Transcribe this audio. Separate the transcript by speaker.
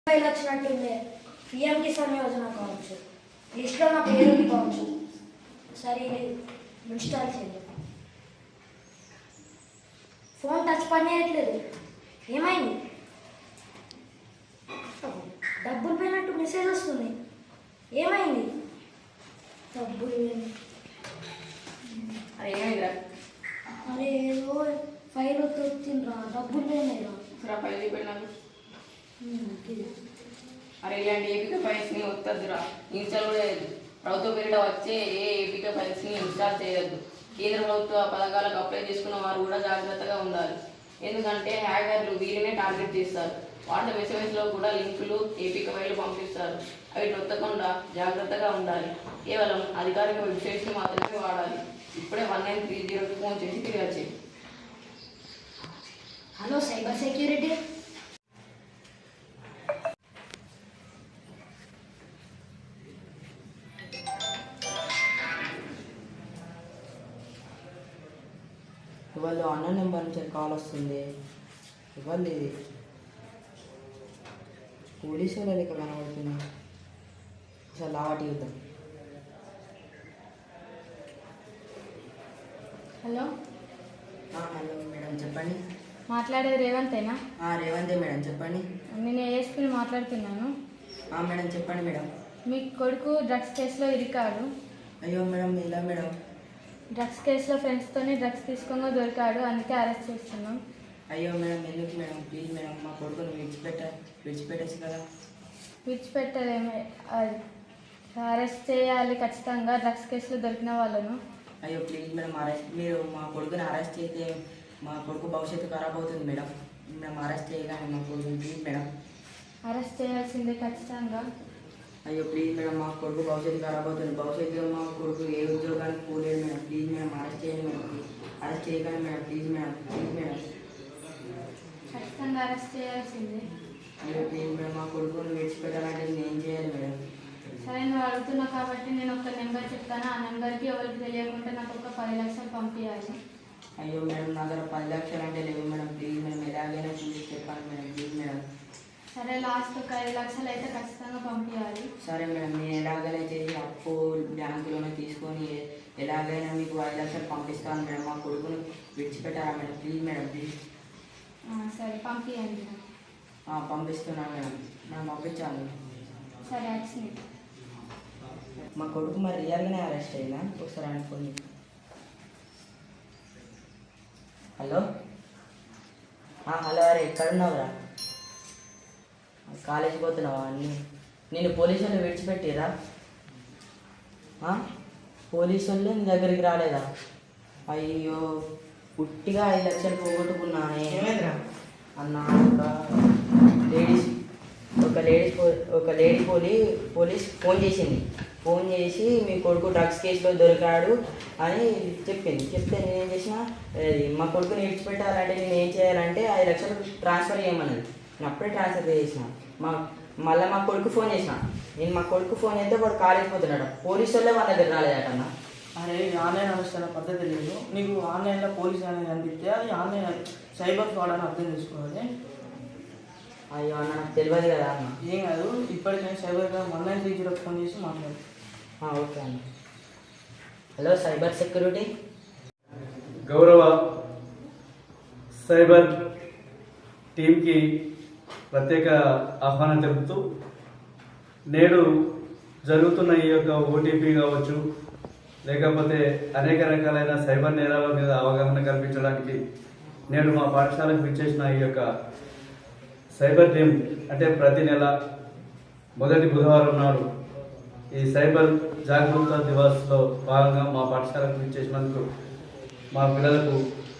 Speaker 1: File వచ్చినట్టుంది. PM Kisan Yojana కావచ్చు, లిస్ట్లో నా పేరు కావచ్చు. సరే ఇన్స్టాల్ చేయండి. ఫోన్ టచ్ పని చేయట్లేదు, ఏమైంది? డబ్బులు పోయినట్టు మెసేజ్ వస్తుంది, ఏమైంది? డబ్బులు
Speaker 2: అరే ఏమైందిరా?
Speaker 1: అరే ఏదో ఫైల్ వచ్చిండ్రా, డబ్బులు పోయినాయిరా.
Speaker 2: ఫైల్ చూపెట్టినాను. అరే ఇలాంటి ఏపీకే ఫైల్స్ని వద్దద్దురా, ఇన్స్టాల్ కూడా చేయద్దు. ప్రభుత్వ పేరిట వచ్చే ఏ ఏపీకే ఫైల్స్ని ఇన్స్టాల్ చేయొద్దు. కేంద్ర ప్రభుత్వ పథకాలకు అప్లై చేసుకున్న వారు కూడా జాగ్రత్తగా ఉండాలి. ఎందుకంటే హ్యాకర్లు వీరినే టార్గెట్ చేస్తారు. వాటి మెసేజ్లో కూడా లింకులు ఏపీకే ఫైళ్ళు పంపిస్తారు. అవి నొత్తకుండా జాగ్రత్తగా ఉండాలి. కేవలం అధికారిక వెబ్సైట్స్ని మాత్రమే వాడాలి. ఇప్పుడే 1930కి ఫోన్ చేసి తిరిగి వచ్చి.
Speaker 1: Hello cyber security.
Speaker 3: ఇవాళ అన్న నెంబర్ నుంచి కాల్ వస్తుంది. ఇవాళ ఇది పోలీసు వాళ్ళ లెక్క కనబడుతుంది. అసలు లావాటి యుద్ధం.
Speaker 4: హలో
Speaker 3: హలో మేడం చెప్పండి.
Speaker 4: మాట్లాడేది రేవంతేనా?
Speaker 3: రేవంతే మేడం చెప్పండి.
Speaker 4: నేను ఏఎస్పీని మాట్లాడుతున్నాను.
Speaker 3: మేడం చెప్పండి మేడం.
Speaker 4: మీ కొడుకు డ్రగ్స్ కేసులో ఇరికాడు.
Speaker 3: అయ్యో మేడం ఇలా మేడం.
Speaker 4: డ్రగ్స్ కేసులో ఫ్రెండ్స్తోనే డ్రగ్స్ తీసుకోగా దొరికాడు, అందుకే అరెస్ట్ చేస్తున్నాం.
Speaker 3: అయ్యో మేడం ఎందుకు మేడం, ప్లీజ్ మేడం మా కొడుకుని విడిచిపెట్టేసి కదా.
Speaker 4: విడిచిపెట్టలేమే, అరెస్ట్ చేయాలి ఖచ్చితంగా డ్రగ్స్ కేసులో దొరికిన వాళ్ళను.
Speaker 3: అయ్యో ప్లీజ్ మేడం మీరు మా కొడుకుని అరెస్ట్ చేస్తే మా కొడుకు భవిష్యత్తు ఖరాబ్ అవుతుంది మేడం. మేము అరెస్ట్ చేయగానే మా కొడుకుని ప్లీజ్ మేడం.
Speaker 4: అరెస్ట్ చేయాల్సిందే ఖచ్చితంగా.
Speaker 3: అయ్యో ప్లీజ్ మేడం మా కొడుకు భవిష్యత్తు ఖరాబ్ అవుతుంది. భవిష్యత్తులో మా కొడుకు ఏ ఉద్యోగానికి పోలేదు మేడం. ప్లీజ్ మేడం అరెస్ట్ చేయండి మేడం. అరెస్ట్ చేయకండి madam, please madam, please madam.
Speaker 4: ఖచ్చితంగా అరెస్ట్ చేయాల్సిందే.
Speaker 3: అయ్యో ప్లీజ్ మేడం మా కొడుకుని విడిచిపెట్టాలంటే నేను ఏం చేయాలి మేడం?
Speaker 4: సరే నువ్వు అడుగుతున్నావు కాబట్టి నేను ఒక నెంబర్ చెప్తాను. ఆ నెంబర్కి ఎవరికి తెలియకుండా నాకు ఒక 10 లక్షలు పంపించాలి.
Speaker 3: అయ్యో మేడం నా దగ్గర 10 లక్షలు అంటే లేవు మేడం. ప్లీజ్ మేడం ఎలాగైనా చూసి చెప్పండి మేడం, ప్లీజ్ మేడం.
Speaker 4: సరే లాస్ట్ ఒక 5 లక్షలు అయితే ఖచ్చితంగా పంపించాలి.
Speaker 3: సరే మేడం నేను ఎలాగైనా చేసి అప్పు బ్యాంకులోనే తీసుకొని ఎలాగైనా మీకు 5 లక్షలు పంపిస్తాను మేడం. మా కొడుకుని విడిచిపెట్టారా మేడం, ప్లీజ్ మేడం, ప్లీజ్.
Speaker 4: సరే పంపించండి.
Speaker 3: పంపిస్తున్నాను మేడం, మనం పంపించాలి.
Speaker 4: సరే వచ్చింది.
Speaker 3: మా కొడుకు మరి రియల్గానే అరెస్ట్ అయిందా ఒకసారి అనుకోండి. హలో హలో అరే ఎక్కడున్నావురా? కాలేజీకి పోతున్నావా? నేను పోలీసు వాళ్ళు విడిచిపెట్టిరా? పోలీసు వాళ్ళు నీ దగ్గరికి రాలేదా? అయ్యో పుట్టిగా 5 లక్షలు పోగొట్టుకున్నానే అన్న. ఒక లేడీ పోలీస్ ఫోన్ చేసి మీ కొడుకు డ్రగ్స్ కేసులో దొరికాడు అని చెప్తే నేనేం చేసిన, మా కొడుకుని విడిచిపెట్టాలంటే నేను ఏం చేయాలంటే 5 లక్షలు ట్రాన్స్ఫర్ చేయమన్నది. నేను అప్పుడే ట్రాన్స్ఫర్ చేసిన. మళ్ళీ మా కొడుకు ఫోన్ చేసిన. నేను మా కొడుకు ఫోన్ చేస్తే వాడు కాలేజ్ పోతున్నాడు. పోలీసు వాళ్ళే వాళ్ళ దగ్గర రాలేదటన్నా.
Speaker 5: అరే ఆన్లైన్ అవసరం పద్ధతి లేదు. నీకు ఆన్లైన్లో పోలీస్ అనేది కనిపిస్తే అది ఆన్లైన్ సైబర్ ఫ్రాడ్ అని అర్థం చేసుకోవాలి.
Speaker 3: అయ్యో అన్న నాకు తెలియదు కదా అన్న.
Speaker 5: ఏం కాదు, ఇప్పటికైనా సైబర్ క్రైమ్ 1930 ఫోన్ చేసి మాట్లాడు.
Speaker 3: ఓకే అన్న. Hello cyber security.
Speaker 6: గౌరవ సైబర్ టీంకి ప్రత్యేక ఆహ్వానం తెలుపుతూ నేడు జరుగుతున్న ఈ యొక్క ఓటీపీ కావచ్చు, లేకపోతే అనేక రకాలైన సైబర్ నేరాల మీద అవగాహన కల్పించడానికి నేడు మా పాఠశాలకు విచ్చేసిన ఈ యొక్క సైబర్ టీం అంటే ప్రతి నెల మొదటి బుధవారం నాడు ఈ సైబర్ జాగరూకత దివాస్లో భాగంగా మా పాఠశాలకు విచ్చేసినందుకు మా పిల్లలకు